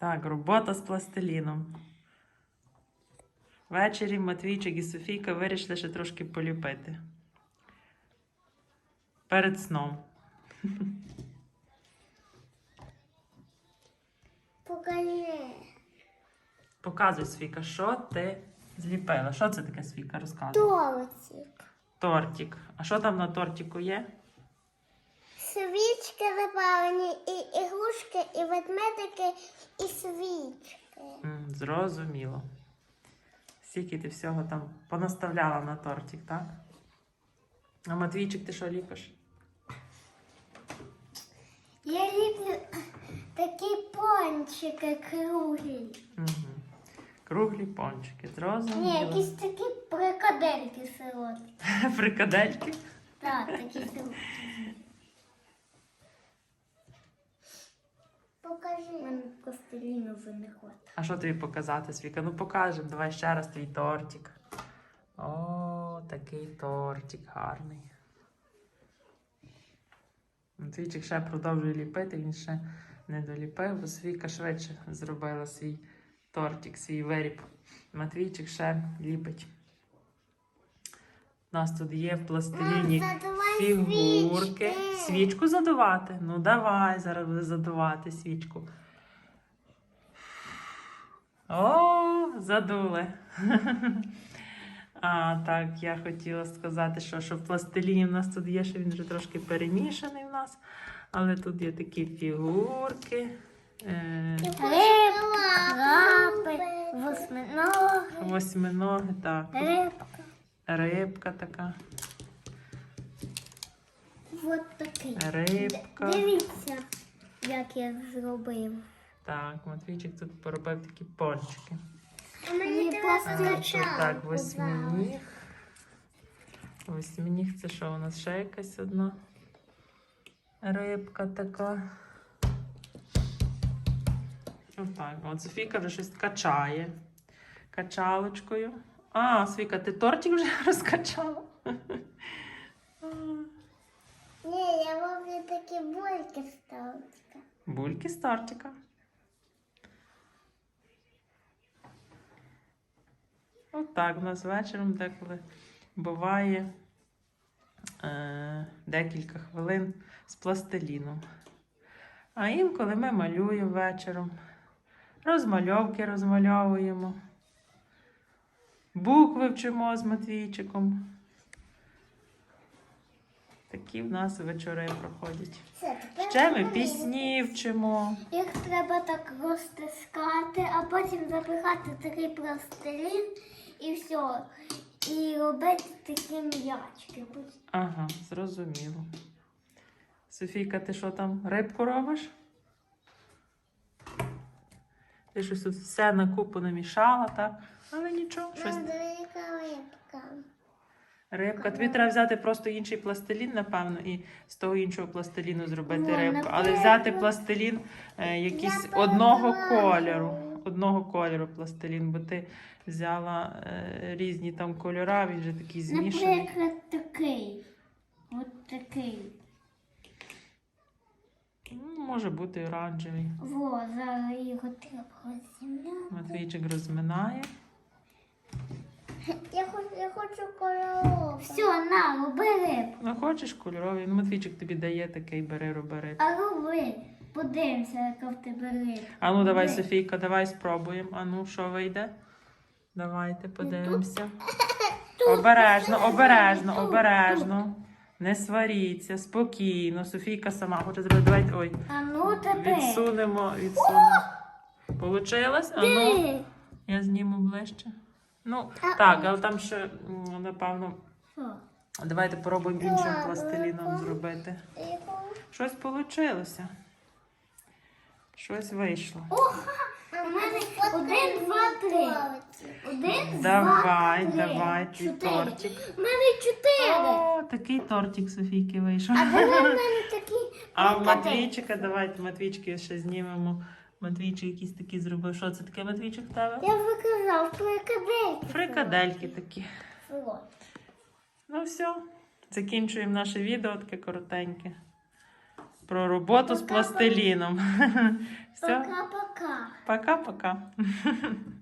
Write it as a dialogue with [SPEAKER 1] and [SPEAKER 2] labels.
[SPEAKER 1] Так, робота з пластиліном. Ввечері Матвійчик і Софійка вирішили ще трошки поліпити. Перед сном.
[SPEAKER 2] Покажи.
[SPEAKER 1] Показуй, Софійка, що ти зліпила. Що це таке, Софійка, розказуй?
[SPEAKER 2] Тортик.
[SPEAKER 1] Тортик. А що там на тортику є?
[SPEAKER 2] Свічки запалені, і ігрушки, і ведмедики, і свічки.
[SPEAKER 1] Зрозуміло. Скільки ти всього там понаставляла на тортик, так? А Матвійчик, ти що ліпиш?
[SPEAKER 2] Я люблю такі пончики круглі.
[SPEAKER 1] Угу. Круглі пончики,
[SPEAKER 2] Ні,
[SPEAKER 1] зрозуміло.
[SPEAKER 2] якісь такі прикадельки солодкі.
[SPEAKER 1] Фрикадельки.
[SPEAKER 2] Так, такі солодкі. Покажи. У мене пластиліну вже не хватить.
[SPEAKER 1] А що тобі показати, Свіка? Ну покажемо, давай ще раз твій тортик. О, такий тортик гарний. Матвійчик ще продовжує ліпити, він ще не доліпив, бо Свіка швидше зробила свій тортик, свій виріб. Матвійчик ще ліпить. У нас тут є в пластиліні
[SPEAKER 2] Задувай
[SPEAKER 1] фігурки.
[SPEAKER 2] свічки.
[SPEAKER 1] Свічку задувати? Ну давай, зараз буде задувати свічку. О, задули. А, так, я хотіла сказати, що в пластиліні в нас тут є, що він вже трошки перемішаний в нас. Але тут є такі фігурки.
[SPEAKER 2] Крапи, восьминоги,
[SPEAKER 1] Восьминоги, так.
[SPEAKER 2] рибка.
[SPEAKER 1] Рибка така.
[SPEAKER 2] Вот такий.
[SPEAKER 1] Рибка.
[SPEAKER 2] Дивіться, як я зробив.
[SPEAKER 1] Так, Матвійчик тут поробив такі пончики.
[SPEAKER 2] Мені
[SPEAKER 1] Тут так, восьминіг. Восьминіг це що у нас? Ще якась одна рибка така. Отак. От Софійка вже щось качає. Качалочкою. А, Софійка, ти тортик вже розкачала?
[SPEAKER 2] Ні, я роблю такі бульки з тортика.
[SPEAKER 1] Бульки з тортика. Отак у нас вечором деколи буває декілька хвилин з пластиліном. А інколи ми малюємо вечором, розмальовки розмальовуємо, букви вчимо з Матвійчиком. Такі в нас вечори проходять. Ще ми пісні вчимо.
[SPEAKER 2] Їх треба так розтискати, а потім запихати такий пластилін і все. І робити такі м'ячки.
[SPEAKER 1] Ага, зрозуміло. Софійка, ти що там, рибку робиш? Ти щось тут все на купу намішала, так? Але нічого, щось.
[SPEAKER 2] Велика рибка.
[SPEAKER 1] Рибка. Тобі треба взяти просто інший пластилін, напевно, і з того іншого пластиліну зробити
[SPEAKER 2] О,
[SPEAKER 1] рибку. Але
[SPEAKER 2] напевно.
[SPEAKER 1] взяти пластилін якийсь одного кольору. Одного кольору пластилін, бо ти взяла різні там кольора, він вже такий змішаний.
[SPEAKER 2] Наприклад, такий. От такий.
[SPEAKER 1] Ну, може бути оранжевий.
[SPEAKER 2] Во, зараз його треба розім'яти.
[SPEAKER 1] Матвійчик розминає.
[SPEAKER 2] Я хочу кольорову. Все, на, роби рибку.
[SPEAKER 1] Ну, хочеш кольоровий? Ну, Матвійчик тобі дає такий, бери, роби рибку.
[SPEAKER 2] А роби. Подивимося, яка в тебе рибка.
[SPEAKER 1] А ну, давай,
[SPEAKER 2] Роби.
[SPEAKER 1] Софійка, давай спробуємо. А ну, що вийде? Давайте подивимося. Обережно, обережно, обережно. Не сваріться, спокійно. Софійка сама хоче зробити. Давайте, ой,
[SPEAKER 2] А ну тепер.
[SPEAKER 1] відсунемо. Получилось? А ну, я зніму ближче. Ну, так, але там ще, напевно,
[SPEAKER 2] Що?
[SPEAKER 1] давайте попробуємо іншим пластиліном зробити. Щось вийшло. Щось вийшло.
[SPEAKER 2] У мене 1, 2, 3. 1, 2, 3.
[SPEAKER 1] Давай, твій
[SPEAKER 2] 4.
[SPEAKER 1] тортик.
[SPEAKER 2] У мене 4.
[SPEAKER 1] О, такий тортик Софійки вийшов.
[SPEAKER 2] А де в мене такі?
[SPEAKER 1] А в Матвійчика, давайте Матвійчики ще знімемо. Матвійчик якийсь такий зробив. Що це таке, Матвійчик, в тебе?
[SPEAKER 2] Я виказав фрикадельки.
[SPEAKER 1] Фрикадельки такі.
[SPEAKER 2] Вот.
[SPEAKER 1] Ну все, закінчуємо наше відео, таке коротеньке. Про роботу з пластиліном. Все,
[SPEAKER 2] Пока-пока.
[SPEAKER 1] Пока-пока.